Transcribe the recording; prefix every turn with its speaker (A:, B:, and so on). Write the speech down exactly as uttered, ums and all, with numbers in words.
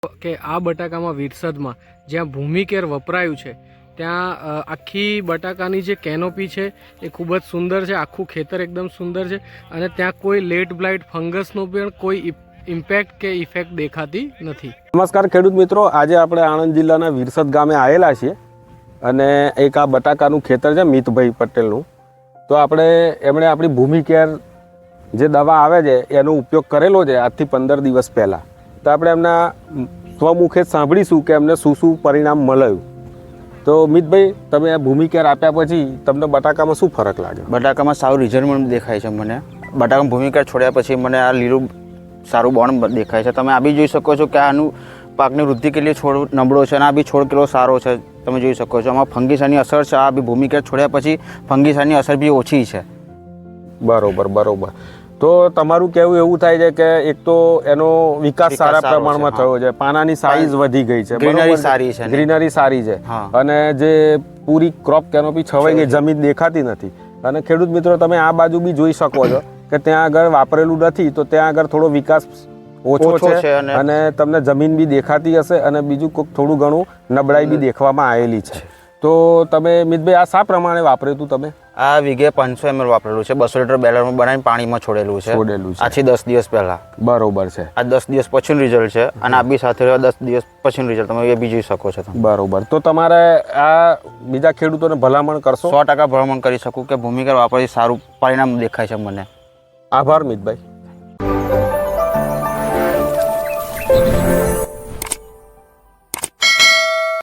A: કે આ બટાકામાં વિરસદમાં જ્યાં ભૂમિકેર વપરાયું છે ત્યાં આખી બટાકાની જે કેનોપી છે એ ખૂબ જ સુંદર છે, આખું ખેતર એકદમ સુંદર છે અને ત્યાં કોઈ લેટ બ્લાઇટ ફંગસનો પણ કોઈ ઇમ્પેક્ટ કે ઇફેક્ટ દેખાતી નથી.
B: નમસ્કાર ખેડૂત મિત્રો, આજે આપણે આણંદ જિલ્લાના વિરસદ ગામે આવેલા છીએ અને એક આ બટાકાનું ખેતર છે મિતભાઈ પટેલનું. તો આપણે એમણે આપણી ભૂમિકેર જે દવા આવે છે એનો ઉપયોગ કરેલો છે આજથી પંદર દિવસ પહેલાં. તો આપણે એમના સ્વમુખે સાંભળીશું કે એમને શું શું પરિણામ મળ્યું. તો મિતભાઈ, તમે આ ભૂમિકેર આપ્યા પછી તમને બટાકામાં શું ફરક લાગ્યો?
C: બટાકામાં સારું રિઝલ્ટ દેખાય છે મને. બટાકામાં ભૂમિકેર છોડ્યા પછી મને આ લીલું સારું બોન્ડ દેખાય છે. તમે આ બી જોઈ શકો છો કે આનું પાકની વૃદ્ધિ કેટલી છોડ નબળો છે અને આ બી છોડ કેટલો સારો છે તમે જોઈ શકો છો. આમાં ફંગીસાની અસર છે, આ બી ભૂમિકેર છોડ્યા પછી ફંગીસાની અસર બી ઓછી છે.
B: બરોબર બરોબર. તો તમારું કહેવું એવું થાય છે કે એક તો એનો વિકાસ સારા પ્રમાણમાં થયો છે, પાનાની સાઈઝ વધી ગઈ છે,
C: ગ્રીનરી સારી છે,
B: ગ્રીનરી સારી છે અને જે પૂરી ક્રોપ કેનોપી છવાઈ ગઈ, જમીન દેખાતી નથી. અને ખેડૂત મિત્રો, તમે આ બાજુ બી જોઈ શકો છો કે ત્યાં આગળ વાપરેલું નથી તો ત્યાં આગળ થોડો વિકાસ ઓછો છે અને તમને જમીન બી દેખાતી હશે અને બીજું કોઈક થોડું ઘણું નબળાઈ બી દેખવામાં આવેલી છે. તો તમે મિતભાઈ આ શા પ્રમાણે વાપર્યું હતું તમે?
C: આ વીઘે પાંચસો એમએલ વાપરેલું છે, બસો લીટર બેલરમાં બનાવીને પાણીમાં છોડેલું છે
B: છોડેલું છે
C: આથી દસ દિવસ પહેલા.
B: બરોબર છે.
C: આ દસ દિવસ પછીનું રિઝલ્ટ છે અને આ બી સાથે દસ દિવસ પછીનું રિઝલ્ટ તમે એ બી જોઈ શકો છો.
B: બરોબર. તો તમારે આ બીજા ખેડૂતોને ભલામણ કરશો?
C: સો ટકા ભલામણ કરી શકું કે ભૂમિકેર વાપરથી સારું પરિણામ દેખાય છે મને.
B: આભાર મિતભાઈ.